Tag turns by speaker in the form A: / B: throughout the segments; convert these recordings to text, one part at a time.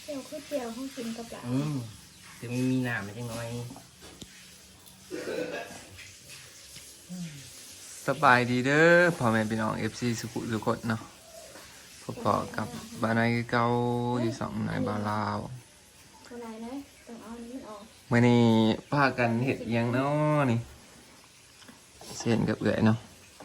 A: จียวคือเจียวห้องกินกับหลาน
B: จะมีน้ำมันจังน้อย
C: สบายดีเด้อพ่อแม่พี่น้อง FC สุขุสุขดเนาะพบกับบ้านนายเก่าอยู่สองนายบาลาว
A: อะไรนะต้องเอานี้มันออก
C: เมื่อนี้พากันเห็ดอิหยังเนาะนี่เส้นกับเอื่อยเนาะ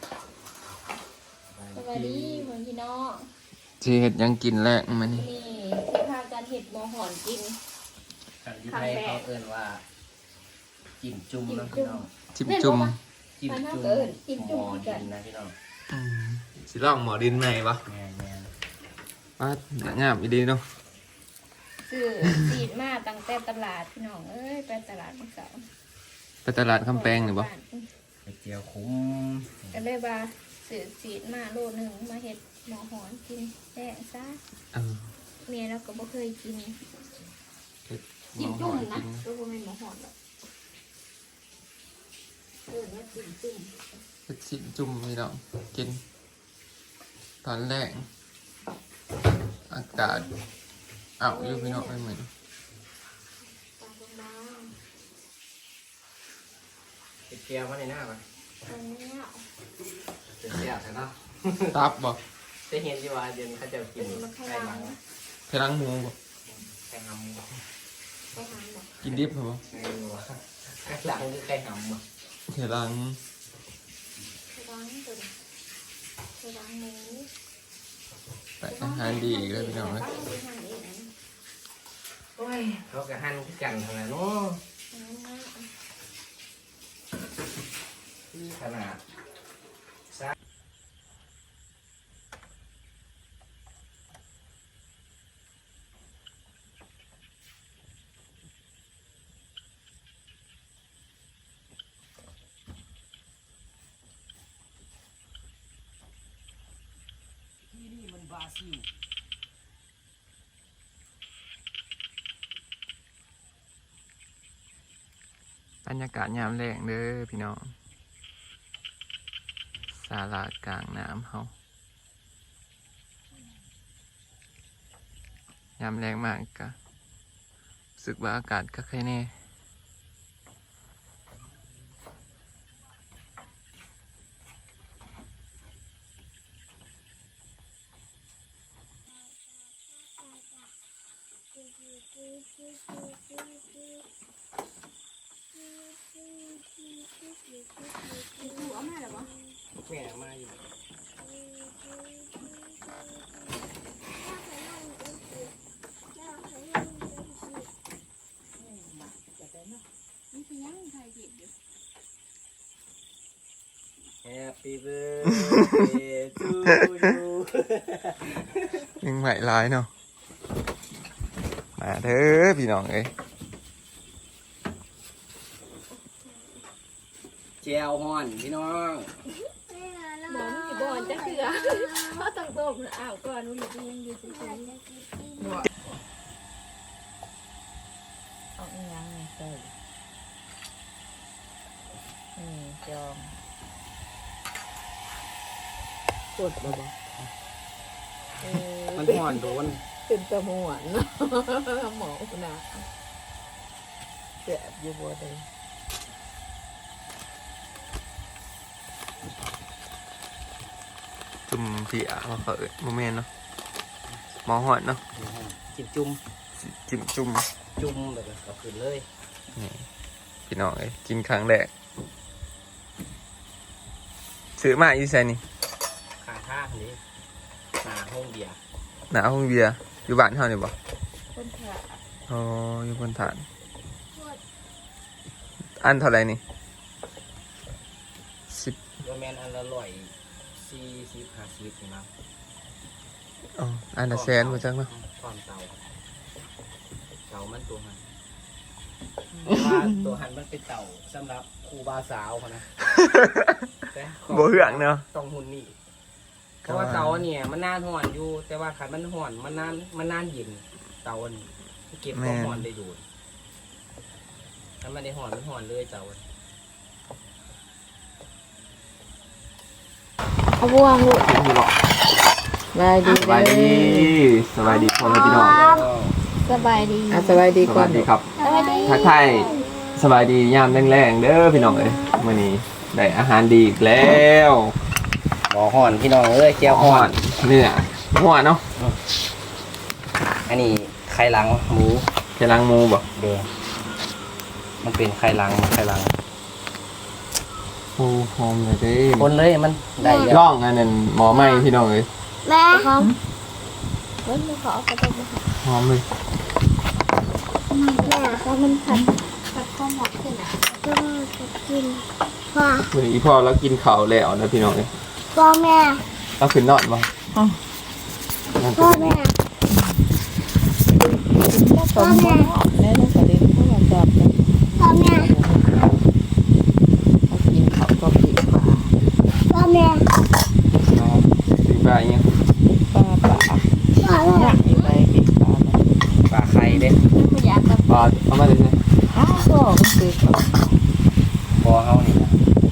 A: สวัสดีพี่น้อง
C: สิเห็ดหยังกินแรกมานี่
A: นี่ที่พากันเห็ดหมอหอนกิน
B: กันที่ไทยเขาเอิ้นว่าจิ้มจุ่มนะพี่น้อง
C: จิ้มจุ่ม
B: จิ้มจุ่มหมอดินนะพี่น้อง
C: สิลองหมอดินไหนปะ
B: แม่น
C: ว่าเนื้องามอีดีเนาะ
A: ซื้อสีดมาตั้งแต่ตลาดพี่น้องเอ้ยไปตลาดมื้อเช้า
C: ไปตลาดคำแปงหรือปะ
B: ไปเจียวคุ้ม
A: ก็เลยว่าซื้อสีดมาโลนึงมาเห็ดหมอหอนกินแซ่ซะเมียเราก็บ่เคยกิน
C: เห็ดหม
A: จิ้
C: อ
A: ม
C: ห
A: จุ่
C: อ
A: ม
C: น
A: นะ
C: กิน
A: ก็บ่แม่นหมอหอนหรอกว่าจิ้มจุ่ม
C: เห็ดจิ้มจุ่มพี่น้องกินตอนแรกอากาศอ้าวอยู่พี่น้องไม่เหมือน
A: ตาบาง
B: ไปเจียวมาในหน้าปะ
A: ๆตรงนี้อ่ะ
B: จะเจียวใช่เนาะ
C: ตับบ่
B: จะเห็นที่ว่าเดี๋ยวเขาจะกินไก่หลัง
C: ไข่ลังหมูบ่
B: ไก่หำ
A: ไปหาหมอ
C: กินดิบเหรอ
B: ไก่หลังหรือไก่หำ
C: ไข่ลัง
A: ไปล้างตัวไปล้างหมู
C: แต่อาหารดีอีกเลยพี่น้องเลย
B: โอ้ยเขากะหั่นคือกันเท่านั้นเนาะขนาดที่นี่มันบราซิล
C: บรรยากาศยามแรงเด้อพี่น้องศาลากลางน้ำเฮายามแรงมากกะรู้สึกว่าอากาศก็แค่แน่
B: แม่มาอยู่แฮปปี้เบิร์ดเดย์ทูยู
C: ยังใหม่ร้ายเนาะมาเด้อพี่น้องเอ้ย
B: เจลฮอนพี่น้อง
A: หมอมีบอลจะเสือเพราะต้องต้มอ้าวก่อนมันยังอยู่ที่นี่เอาอีหยังนี่เติมจอมกดบ่บ่
B: มันห่อนโดน
A: เป็นตะมวนเนาะหมอนะเจ็บอยู่บ่ได้
C: จุ่มเสียมาเปิดโมเมนต์เนาะหมอหอดเนาะ
B: จิ้มจุ่ม
C: จิ้มจุ่ม
B: จุ่มแบบเอาขึ้นเลย
C: นี่พี่น้องเอ้ยกินครั้งแรกซื้อมาอีไซนี่
B: ขาท่าคนนี้หนาห้องเบียร์
C: หนาห้องเบียร์อยู่บ้านเฮานี่บ่
A: คนขา
C: อ๋ออยู่บนฐาน อันเท่าไหร่นี่10
B: โรแมนอันละ140-50นี่มั้ง
C: อ๋ออันละแสนบ่จังเนาะ
B: ความเตามันตัวหันว่าตัวหันมันเป็นเต่าสำหรับครูบาสาวเขานะแต่
C: บ่เหืองเนาะ
B: ต้องหุ่นนี่เพราะว่าเตาเนี่ยมันนานห่อนอยู่ แต่ว่าขันมันห่อนมันนานเย็นเตาอันนี้เก็บความห่อนได้อยู่ถ้ามันได้ห่อนมันห่อนเลยเตาอัน
A: เอาบ่วงลูก
C: กินอยู่บ่
A: บายดี
C: สบายดีพ่อแม่พี่น้อง
A: สบายดี
C: สบายดีก่อนดีครับ
A: สบายดี
C: ทักทายสบายดียามแรงๆเด้อพี่น้องเอ้ยมื้อนี้ได้อาหารดีอีกแล้ว
B: หมอห่อนพี่น้องเอ้ยแก้วห่อน
C: เนื้อหัวเนาะ
B: อันนี้ไข่หลังหมู
C: กำลังหมูบ่
B: เด้อมันเป็นไข่หลัง
C: โอ้หอมเลยเด้
B: คนเลยมันได้แล้ว
C: ล่องอันนั้นหมอไหม้พี่น้องเอ้ย
A: แม่พร้อมเฮ้ยขอเอากระดกมาค่ะ
C: หอมเลย
A: แม่เพราะมันผัดข้าวหมกขึ้นอ่ะก็จะกินพ่อ
C: มื้อนี้อีพ่อเรากินข้าวแล้วนะพี่น้องเอ้ย
A: พ่อแม่
C: เราขึ้นนอนบ่
A: พ่อแม่พ่อแม่
D: แม่ต้องกระเด็นเข้ามาจับกัน
A: พ่อแม่
D: เอากินเขาก็ปีกปลา
A: พ่อแม่
C: สิบาทยัง
D: ปลา
A: พ่อแม่
D: หนักอยู่ไปปีกปลามัน
B: ปลาไข่เด้
A: ไม่อยากกับ
C: ปลาเอามาเลยสิ
D: อ้าวก็มันคือเขา
B: พอเฮานี่ล่ะ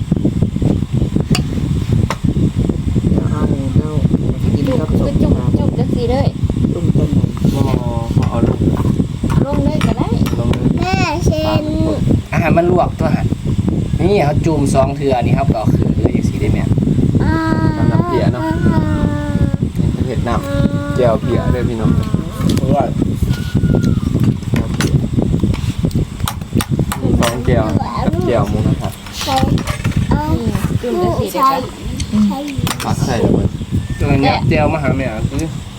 D: เอาเนี่ยเรากิน
A: จุก
D: กับ
A: คือ
D: ส้ม
A: จุก
D: ปลา
A: จุกจะสีเลย
D: จุ่มต้นหนึ่ง
C: บ่เอาลง
A: ลงเลยก็ได้
C: ลงเลย
A: แม่เชน
B: อาหารมันลวกตัวหั่นนี่เขาจุ่ม2เทื่อนี่ครับก็เอาขึ้นเลยจังซี่ได้แม่
C: น้ำเพียเนาะเห็ดน้ำแก้วเพียเด้อพี่น้อง
B: เพราะว่า
C: มีสองแก้วแก้วหมูนะครับ
A: ใส่จุ่มจะสีได้ปะ
C: ผักใส่เลย
B: ตัวเนี้ยเจียวมาหาแม่คือ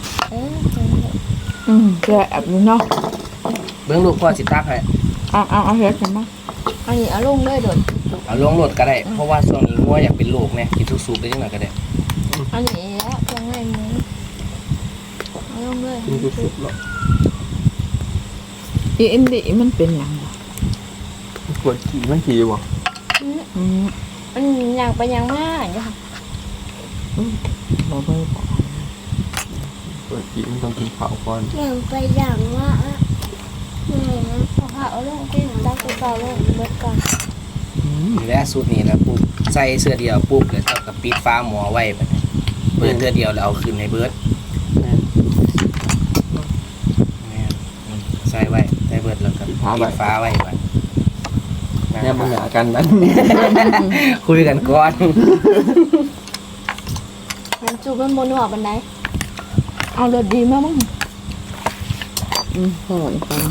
D: แก่แบบนี้เนาะ
B: เบิ่งลูกพ่อสิตักให้
D: เอาเฮ็ดกันมั้ง
A: อันนี้เอาลงเลยโดด
B: เอาลงรถก็ได้เพราะว่าช่วงนี้งัวอยากเป็นลูกเนี่ยกินสุกๆได้จังหน่อยก็ได้
A: อันนี้แล้วเครื่องในหมูเอาลงเลย
C: กินสุกๆแล้ว
D: อีอินดีมันเป็นหยังบ่
C: ปวดขี่มันขี่บ่
A: มันอย่างไปอย่างมากอยู่ค่ะ
D: บ่เบิ่งบ่
C: ปวดขี่มันต้องกินข้าวก่อน
A: อย่างไปอย่างว่าเอาลงที่ตักเปล่าลงเบิดก่อน
B: นี่แหละสูตรนี้นะปุ๊บใส่เสื้อเดียวปุ๊บแล้วเจ้าก็ปิดฟ้าหม้อไว้บัดนี้เปิดเสื้อเดียวแล้วเอาขึ้นให้เบิดแม่นใส่ไว้ใส่เบิดแล้วก็ปิดฟ้าไว้บัด
C: เนี่ยมันหากันนั้น
B: คุยกันก่อน
A: มันจูบมันบนหัวบันได
D: เอารสดีมากมั้งห่อนฟัง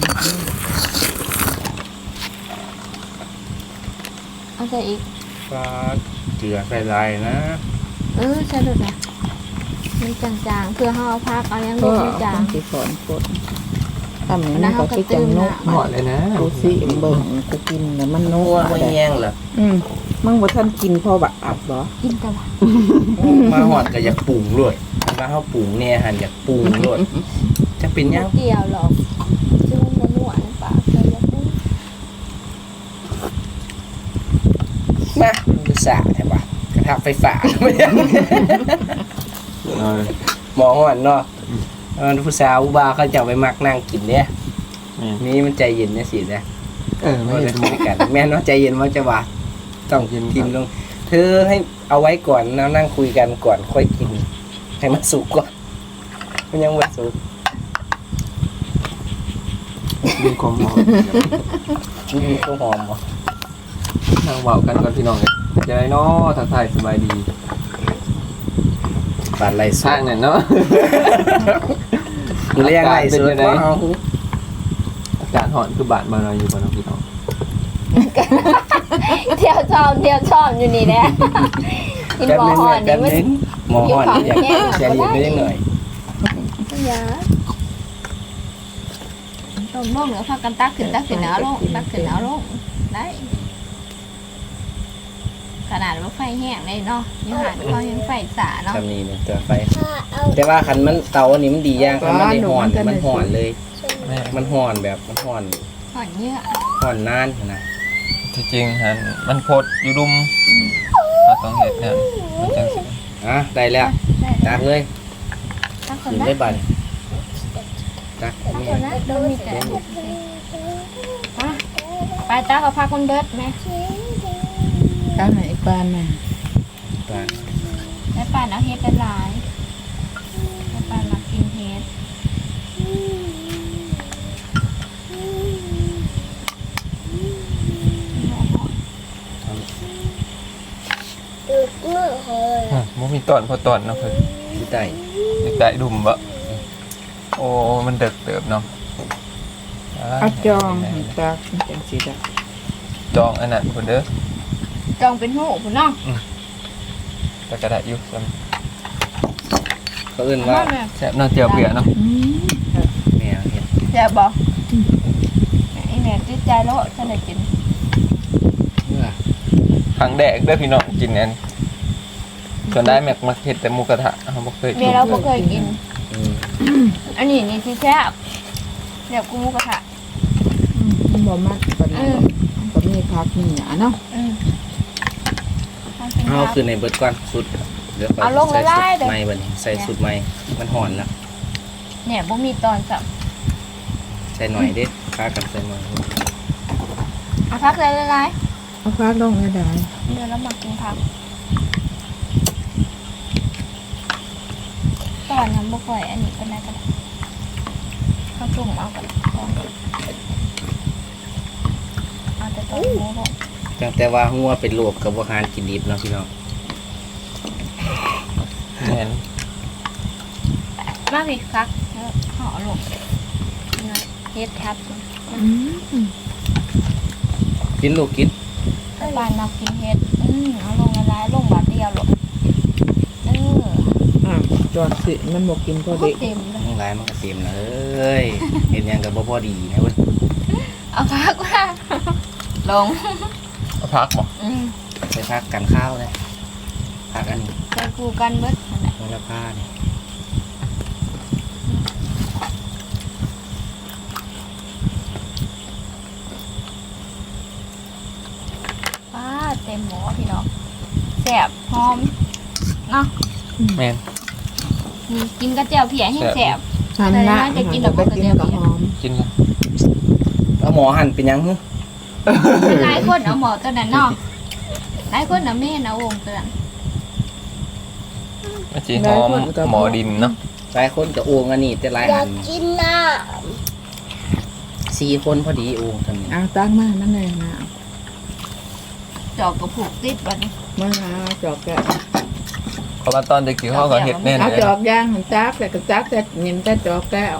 A: เอาใส่อีก
B: ฟ้าเกลือใส่ลายนะ
A: ใช่เลยนะมันจางๆเพื่อห่อพักเอายังล
D: ก็
A: งไม่จาง
D: สิสอนกดทำอย่างนี้ก็คือจังนก
C: หอดเลยนะ
D: กูสิเบิ่งกูกินแล้วมันน
B: งั
D: ก
B: ว
D: บ่
B: ไม่
D: ได้
B: แย่งเหรอ
D: มึงบ่ทันกินพอบักอับบ่
A: กินแต่ว่า
B: มาหอดก็อยากปรุงรวดมาเฮาปรุงเนี่ยหันอยากปรุงรวดจะเป็นยัง
A: เกี่ยวหรอกซึ่งมันหวานปากเลยแล้วก็
B: มาดูสาแท้ปะกระทะไฟฟ้า หมอหอนเนาะผู้สาวอุบาเขาจะเอาไปมักนั่งกินเนี่ยนี่มันใจเย็นเนี่ยสิเนี่ย
C: ไม่
B: เรา
C: เห็
B: จะ
C: น
B: คุยกันแม่นว่าใจเย็นว่าจะว่าต้องกินทิมลงเธอให้เอาไว้ก่อนแล้วนั่งคุยกันก่อนค่อยกิน ให้มันสุกก่อนมันยังไม่สุก
C: มีความหอม
B: มีข้าวหอมบ่
C: นั่งเบากันก่อนพี่น้องเลยจะได้เนาะทักทายสบายดี
B: ปานไรสุ
C: ทาก งเนี่ยเนาะ
B: ดูเรียกไรสุกว่าเอา
C: อากาศหอนคือบาดมาเราอยู่บนน้องพี่น้อง
A: เที่ยวชอบอยู่นี่แหละกินหมอห่อนนี่มัน
B: หมอหอนอยากใจเย็นไปนิดหน่อย
A: ยาต้มลงเหนือพากันตักขึ้นเอาลงตักขึ้นเอาลงได้ขนาดว่าไฟแห้งเลยเนาะยังหาก็ยังไฟสาเนาะ
B: ทำนี่เนี่ยตัวไฟแต่ว่าคันมันเตาอันนี้มันดีอย่างคันมันได้ห่อนมันห่อนเลย มันห่อนแบบมันห่อน
A: ห่อนเยอะ
B: ห่อนนานนะ
C: ที่จริงฮะมันโพดอยู่ดุมเราต้องเห็ดเนี่ยมันจังสิ
B: ได้แล้วตักเลย
A: ตักค
B: กิ
A: น
B: น
A: นะ
B: ได้บันตัก
A: ตัก
B: นี่
A: คนนะดูมีแต่ไปตักเอาพักคนเบิดไหม
D: ข้างไหนปานน่ะ
B: ตัก
A: แล้วป่านเอาเฮ็ดเป็นหลายแล้วป่านมากินเฮ็ด
C: บ่มีตอนพอตอนเนาะเพิ่น
B: อยู่ใต้
C: อยู่ใต้ดุมบ่โอ้มันเดึกเติบเนาะ
D: เอาจองจากจังสิได้
C: จองอันนั้นพุ่นเด้อ
A: จองเป็นหูพุ่นเนาะ
C: แต่ก็ได้อยู่ซ้
B: เขาเอิ้นว่า
A: แม่
C: ำแซ่บเนาะเจียวเปียเนาะ
B: แม่เฮ็ด
A: แซ่บบ่ไอ้แม่ติดใจแล้วฉันได้กิน
B: เมื่อ
C: ครั้งแรกเด้อพี่น้องกินอันส่วนได้แม็กมาเฮ็ดแต่หมูกระทะเฮาบ่เคย
A: แม่
C: กิน
A: เราบ่เคยกิน
B: อืม
A: อันนี้นี่ที่แซ่บแบบกูหมูกระทะ
D: มันบ่มากกว่านั้นก็มีพักมีหยาเนาะ
B: เอาคือในเบิดก่อนสุดเดี๋ยว
A: เอาลง
B: ใส่
A: ละ
B: สุ
A: ลาย
B: ด
A: เด้อ
B: ใหม่บัดนี้ใส่สุดใหม่มันหอนแล้ว
A: เนี่ยบ่มีตอนสับ
B: ใส่หน่อยเด้ค่ากันใส่หน่อย
A: เอาพักเลยละลาย
D: เอาพักลงได้ได้
A: เดี๋ยวเรามากินผักตอนน้ำบ่ค่อยอันนี้ก็ได้ก็ได้ข้าวต้มเอากันเอาแต่ต้นหมูบ่
B: จังแต่ว่าหัวเป็นโรคกับบ่หารกินดิบเนาะพี่น้อง
C: แม่น
A: มาพี่คักแล้วห่อลงนะเฮ็ดทับ
B: กินลูกกิน
A: ถ้าบ้านเรากินเฮ็ดเอาลงละลายลงบาทเดียวหรอก
D: จอดสิมันบ่กินพอดี
A: เต็มเลย
B: ทั้งหลายมันก็เต็มแล้วเอ้ยเห็นหยังก็บ่พอดีนะเว้ย
A: เอาพักว่าลง
C: เอาพักบ่
B: ไปพักกันข้าวเลยพักอันนี้
A: ใจกูกันเบิดนั่นแหละ
B: โหระพาเนี่ย
A: ป้าเต็มหม้อพี่น้องแซ่บหอมเนาะ
C: แม่น
A: กินกระเจียวเพียให้แซ่บ
D: หันหน้า
A: จะกินดอกบัวกระเจียว
D: ก็หอม
C: กินกัน
B: เอาหมอหั่นเป็นหยังฮึ
A: หลายคนเอาหมอตัวนั้นเนาะหลายคนเอาแม่เอาวงตัวนั้น
C: มันสิหอมหมอดินเนาะ
B: หลายคนก็โอ่งอันนี้แต่หลายอัน4 คนพอดีโอ่งทำนี้
D: เอาตั้งมานั่นเลยนะ
A: จอกกระผูกติดบัดนี้
D: มาหาจอกแกะ
C: เพราะว่าตอนเด็กๆเขาก็เฮ็ดแน่น
D: เอา
C: เลย
D: จอกย่างหันจักแต่ก็จักแต่ยิ้มแต่จอกแก้ว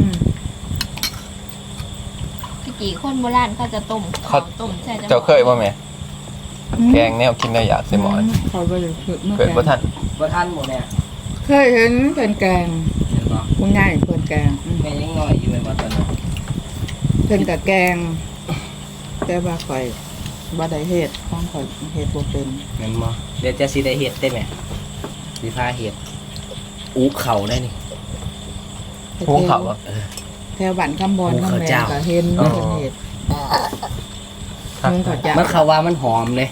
A: พี่กี่คนโบราณเขาจะต้มข้าวต้มใส่
C: เจ้าเคยบ่แม่แกงแนวกินได้อยากใส่หมอน
D: เขาไปเลยคือเมื่อ
C: เกิดบ่ทัน
B: บ่ทันหมดเนี่ย
D: เคยเห็นเป็นแกง
B: เห็นบ่
D: คุณยายเป็นแกง
B: แม่ยังน้อยอยู่แม่นบ่ตอนนั้น
D: เป็นกับแกง แต่ว่าข่อยบ่ได้เฮ็ดของข่อยเฮ็ดบ่เป็น
B: แม่นบ่เดี๋ยวจะสิได้เฮ็ดได้แม่สิพาเฮ็ดอูเข่าได้นี่
C: พุงเขาบ่
D: แถวบ้านคำบอน
B: ภูเขา
D: คำแม่
B: เจ้า
D: ก็เห็น
C: อ๋อ
D: เพิ่นเฮ็ด
C: ครับ
D: พุงเขาเจ้า
B: มันเขาว่ามันหอมเลย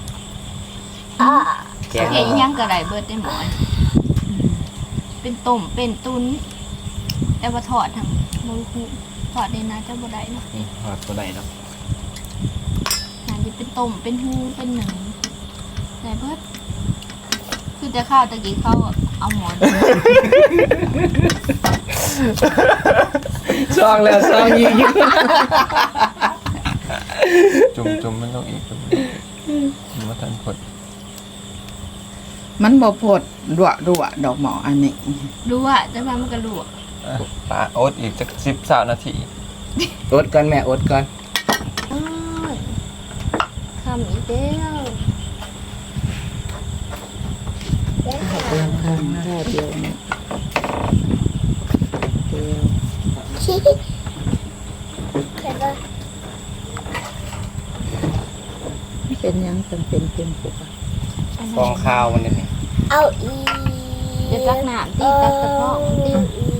B: แกง
A: เห็นยังกระไรเบิดได้หมอนเป็นต้มเป็นตุนแต่ว่าทอดทำมูฮูทอดนี่นะจะบ่ได้เนาะ
B: นี่หอดบ่ได้ดอก
A: น่าจะเป็นต้มเป็นหูเป็นหนังแต่เบิดคือจะข้าวตะกี้เขาเอาหมอน
B: ซองแล้วซองยิง
C: จุ่มมันลงอีกจุ่มมันบ่ทันพด
D: มันบ่พดรั่วดอกหมออันนี้
A: รู้ว่าจะมามันก็รู้
C: ปลาโอ๊ตอีกจัก10-20นาที
B: อดก่อนแม่อดก่อน
A: ทำอีกแล้ว
D: เตรียมข้างแค่เดียวนี่เดียวเป็นหยังจำเป็นเป็นปกติ
B: ฟองข้าวมันนี่
E: เอาอีก
A: จะตักน้ำตีตักกระเพาะตี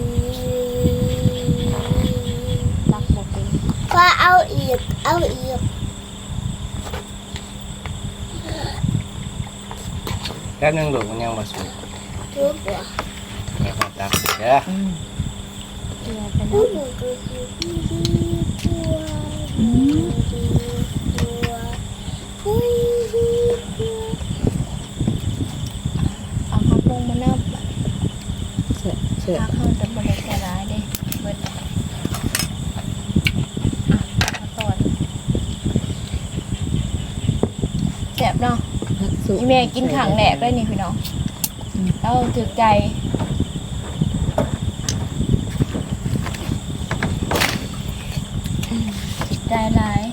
A: ตักบอกเป็น
E: พอเอาอีก เอาอีก
B: แป๊บนึงลูกมันยังบ่สุก
E: ทุกตัว
B: แม่ขอตักเด้อ
A: เกลือเป็น
E: ผู้หนูก็คือพี่ตัวผู้
A: เอาข้าวปรุงมาเนิบ
D: เสร็จเสร็จ
A: ถ้าข้าวจะบริการร้ายเด้เบิดข้าวตอนแซ่บเนาะ
D: พักสุ
A: อีแม่กินขังแหลกเลยนี่พี่น้องเราถึกใจใจร้าย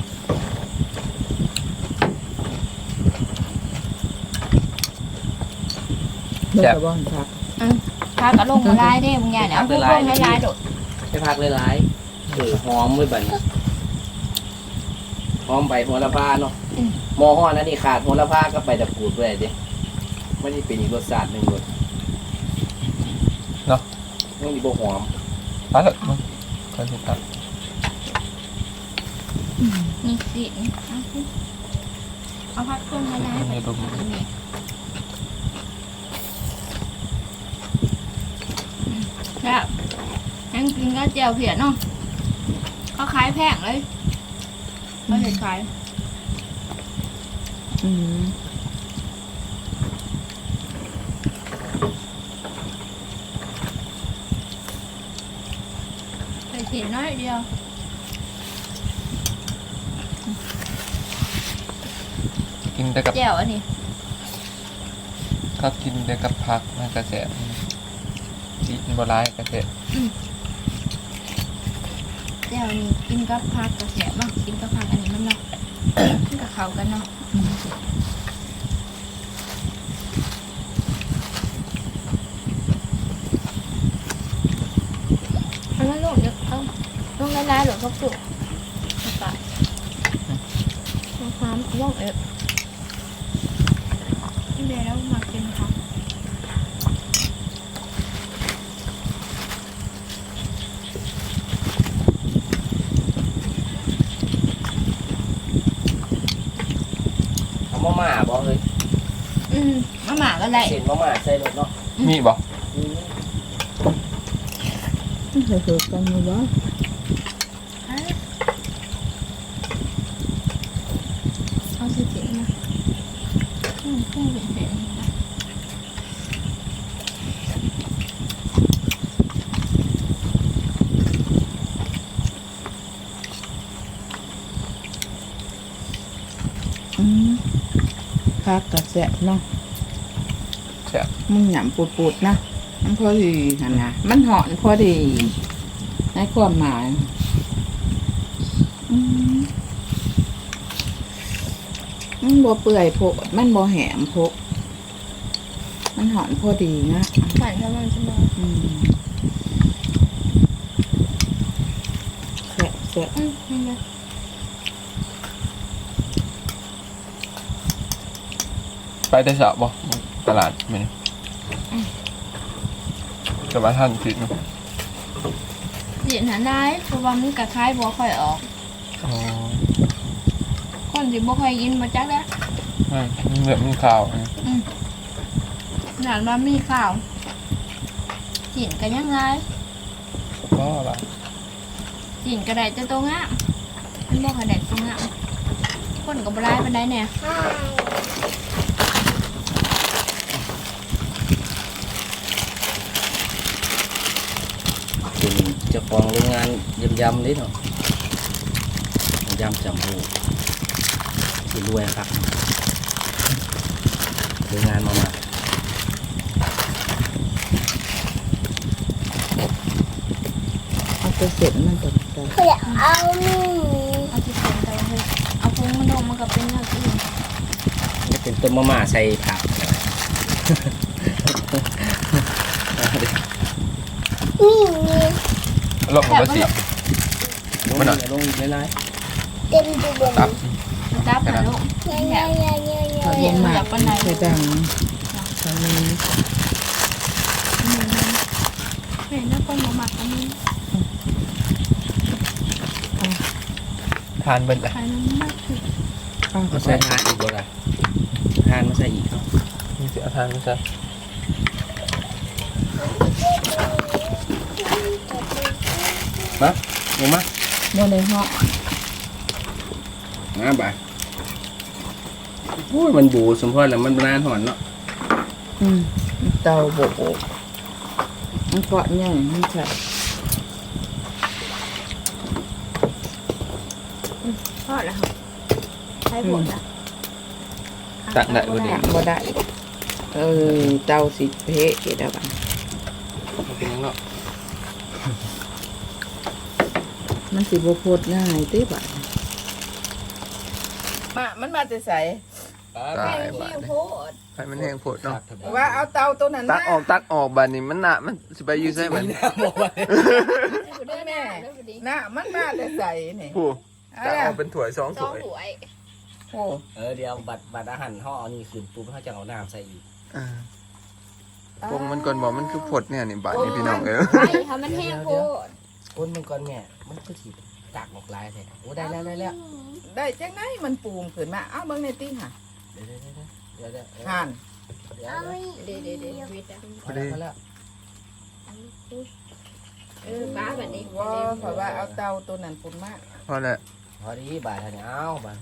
D: เมื่อบ่อนครับ
A: พากระลงมาลายได้บางอย่างเนี่ยเอาพวกลงให้ลายโดด
B: ไปพักหลายๆหอมไว้บัดนี้หอมใบโหระพาเนาะหม้อฮ้อนอันนี้ขาดโหระพาก็ไปตะกรูดไว้เด้มันสิเป็นอีกรสชาติหนึงรส
C: เนาะ
B: มันสิบ่หอม
C: ตัดเลยมั้งก็สิตัด
A: นี่สิเอาพักลงมาลายไปแล้วยังกินก็เจียวเผียเนาะเขาขายแพงเลยเขาเห็นขาย
D: อืม
A: ไปเห็นน้อยเดียว
C: กินแต่กับ
A: เจียวอันนี้
C: ก็กินแต่กับผักมันกระแสกินบ่ร้ายกระแส
A: เจียวนี่กินกับผักกระเสียบ้างกินกับผักอันนี้มันเนาะ กินกับเขากันเนาะอันนั้นลูกเดี๋ยวเอาลงละลายหรือเขาสุกไปความลงเดี๋ยวเรามากินค่ะ
B: เอามาม่าบ่เฮ้ย
A: มาหมาก็ได้
B: เส้นมาม่าใส่รสเนาะ
C: มีบ่
D: เคยๆกันอยู่บ่
A: เอาสิเจ๋งนะพุ่งเป็นเจ๋งนะ
D: พักกระแสะเนาะ
C: แซ่บ
D: มันหยำปูดๆนะมันพอดีหั่นนะมันหอนพอดีในความหมายมันบ่เปื่อยโพดมันบ่แหมโพดมันหอนพอดีนะ
A: หวานแล้วมันจะมา
D: แสะแสะ
A: นี่ไง
C: ไปแต่เช้าบ่ตลาดมื้อนี้ก็ว่าท่านผิดเนาะ
A: เสียหาได้เพราะว่ามันกระคายบัวค่อยออก
C: อ๋อ
A: คนสิบ่ค่อยกินมาจักแล้ว
C: มันแบบมีข่าวนะ
A: หลานว่ามีข่าวกินกันยังไง
C: ก็ล่ะ
A: กินกระไดแต่ตัวงามมันบ่กระไดตัวงามคนก็บ่ได้ปานใดแน่
B: เป็นเจ้าของโรงงานยำๆนี่เนาะยำจำหูสิรวยครับโรงงานมาม่า
D: เอาไปเสร็จมันตกใจ
E: เขาอยากเอานี่
A: เอาที่เป็นไปเลยเอาพุงมันลงมันก็เป็นอย่างอื่น
B: นี่เป็นต้มมาม่าใส่ผัก
E: นี่นี่
C: ลงบ่สิ
B: ลง
C: มันหน่อย
B: ลงหลาย
E: เต็มตัวบน
C: ตับ
A: มันจับหาลูก
E: เงี้ยเงี้ยเงี้ยเงี้ยเงี้ย
D: เขาลงมาใส่ดังตอนนี้
A: เห็นแล้วคนบ่มักอันนี้
C: ทานเบิ่นเลย
A: ขายน้ำมากคือ
D: ข้าว
B: ๆ
D: ก็
B: มา
D: ใส่
B: ใส่ทานอีกบ่ล่ะทานมาใส่อีกเนาะ
C: มีสิเอาทานมาใส่
B: มาลงมา
D: โมในห้อง
B: มาบ่าโอ้ยมันบูสมพรแล้วมันนานหอนเนาะ
D: เตาโบกมันเกาะใหญ่มันใส่
A: ทอดแล้วค่ะใช้ผลนะ
C: ตักได้บ่ดี
D: บ่ได้เตาสิเพะเกดาบัน
C: มันเป็นยังเนาะ
D: มันสิบ่โพดง่ายติบัดมันมาแต่ใส
C: ตาย
A: ขี้
C: บาด
A: โพ
C: นี่
A: ด
C: ไฟมันแห้งโพดเนาะ
D: ว่าเอาเตาตัวนั้น
C: ตักออกบาดนี้มันหนามันสิไปอยู่ไสมัน
D: แม่น่ะมันมาแต่ใสนี่
C: ผู้
D: เอา
C: ตัก
D: ล่ะ
C: ออกเป็นถ้วย2
A: สอง
C: ถ้วย
A: ถ้วย
D: โอ้
B: เดี๋ยวบัตรอาหารห่อเอานี่ขึ้นปุ๊บเขาจะเอาน้ำใส่อีก
C: ปงมันก่อนบอกมันคือผดเนี่ยนี่บาดนี้พี่น้องเอ้ย
A: ไข่ค่ะมันแห้งโพด
B: ก้นมันก่อนแม่มันคือถีบตากออกลายแท้โอ้ได้แล้ว
D: ได้จังไดมันปูมขึ้นมาเอาเบิ่งในติห่ะ
B: เดี๋ยว
D: ห่าน
E: เอามี
A: เดี๋ยววิทย์อะ
C: พอดี
B: แล้ว
A: ป้าแบบนี้
D: ว่าเพราะว่าเอาเตาตัวนั้นปุ่นมา
C: พอแล้ว
B: พอดีบาทเนี่ยเอาบาท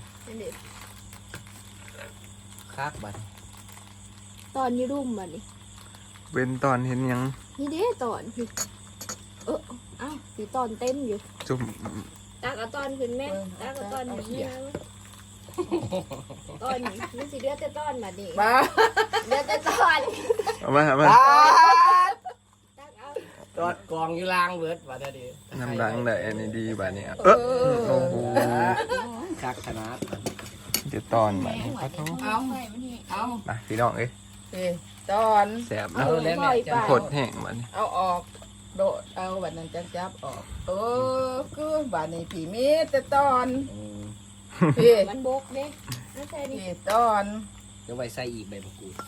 B: คักบาท
A: ตอนนี้รุ่มแบบนี้
C: เป็นตอนเห็นหยัง
A: นี่เด้ตอนพี่อ้าวสีตอนเต็มอยู่
C: จุ่ม
A: ตักเอาตอนขึ้นแม่ตักเอาตอนนี้นะตอนนี้มันสิเลือดแต่ตอนแบบนี้
D: บ้า
A: เลือดแต่ตอน
C: เอามา
A: ตักเอา
B: ตอดกองอยู่ล่างเบิดบาทเดียว
C: น้ำดังได้อันนี้ดีบาดนี้โอ้โห
B: คักขนาด
C: เดี๋ยวตอนบาดนี้ขอโทษ
D: เอาเอา
C: มาพี่น้องเอ้ย
D: ตอน
C: แสบ
B: เอา
C: นะ
B: แล้วแม่จะ
C: ผดแห้งบาดนี้
D: เอาออกโดดเอาบัดนั้นจับออกคือบัดนี้ผีมีแต่ตอนพี่
A: มันบกเด้ไม่ใช่นี่
D: พี่ตอน
B: เดี๋ยวไว้ใส่อีกใบมะกรูด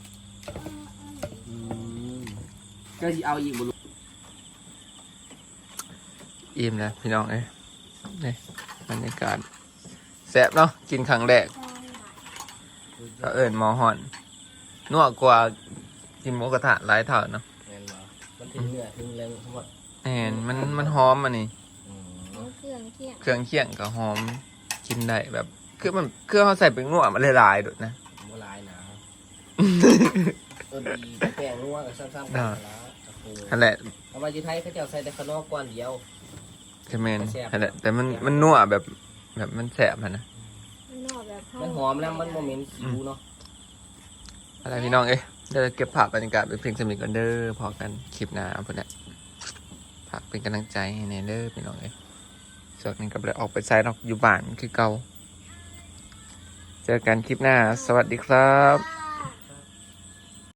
B: ก็จะเอาอีกบุรุษ
C: อิ่มแล้วพี่น้องเอ้ยนี่บรรยากาศแสบเนาะกินครั้งแรกก็เอิญหมอหอนนัวกว่ากินหมูกระทะหลายเท่าเนาะ
B: แม่นบ่มันถึงเนื้อถึงแรงทั้งหมด
C: เห็นมันหอมอันนี้
A: เครื่องเที่ยง
C: เครื่องเคียงกับหอมกินได้แบบคือมันเครื่องเขาใส่เป็นงัวมันหลายๆด้วยนะ
B: โบราณนะดีแป้งนัวกับซ้ำๆกันแล้ว
C: นั่นแหละ
B: เอามาจีไทยเขาจะใส่แต่ขนมก้อนเดียว
C: ใช่ไหมนนั่นแหละแต่มันนัวแบบมันแสบอะนะ
A: มันนอกแบบ
B: มันหอมแล้วมันโมเมนต์คิวเนาะ
C: อะไรพี่น้องเอ้ยเดี๋ยวเก็บภาพบรรยากาศเป็นเพลงสมิธกันเด้อพอกันคลิปหน้าพุ่นแหละฝากเป็นกำลังใจให้ในเด้อพี่น้องเอ้ยส่วนนี้ก็ไปออกไปใช้นอกอยู่บ้านคือเก่าเจอกันคลิปหน้า สวัสดีครับ